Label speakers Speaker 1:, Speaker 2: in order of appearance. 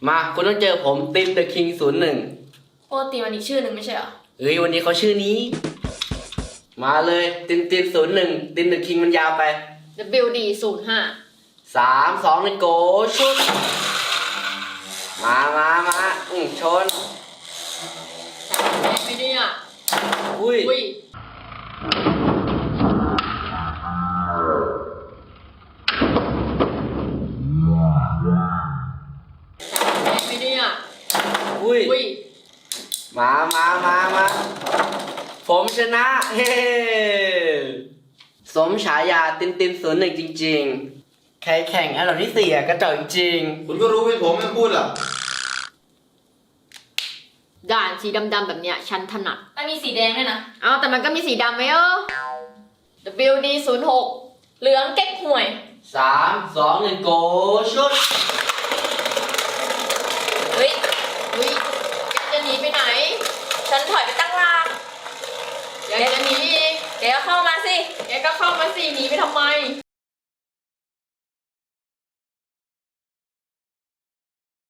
Speaker 1: มาคุณต้องเจอผมตินเดอะคิง01
Speaker 2: ปกติมันอีกชื่อหนึ่งไม่ใช่เหรอ
Speaker 1: เฮ้ยวันนี้เขาชื่อนี้ มาเลยติน01ตินเดอะคิงมันยาวไป
Speaker 2: WD 05
Speaker 1: 3 2 1โกชุดมาชน
Speaker 2: ไม่ได้อ่ะ
Speaker 1: อุ้ย
Speaker 2: อุ้ยไม่ได้อ่ะ
Speaker 1: อุ้ย
Speaker 2: อุ้ย
Speaker 1: มาผมชนะ เฮ้สมฉายาติน01จริงๆ ใครแข่งอันดับที่4กระจอกจริง
Speaker 3: คุณก็รู้เป็นผมไม่พูดหรอก
Speaker 2: ด่านสีดำๆแบบเนี้ยฉันถนัด
Speaker 4: มันมีสีแดงด้วยนะ
Speaker 2: เอาแต่มันก็มีสีดำไหมWD 06เหลืองเก๊กห่วย
Speaker 1: 3 2 1โกชุด
Speaker 4: เฮ้ย
Speaker 2: อุ้ยแกจะหนีไปไหน
Speaker 4: ฉันถอยไปตั้งหลาก
Speaker 2: อยากจะหนีอีก
Speaker 4: แกก็เข้ามาสิ
Speaker 2: แกก็เข้ามาสิหนีไปทำไม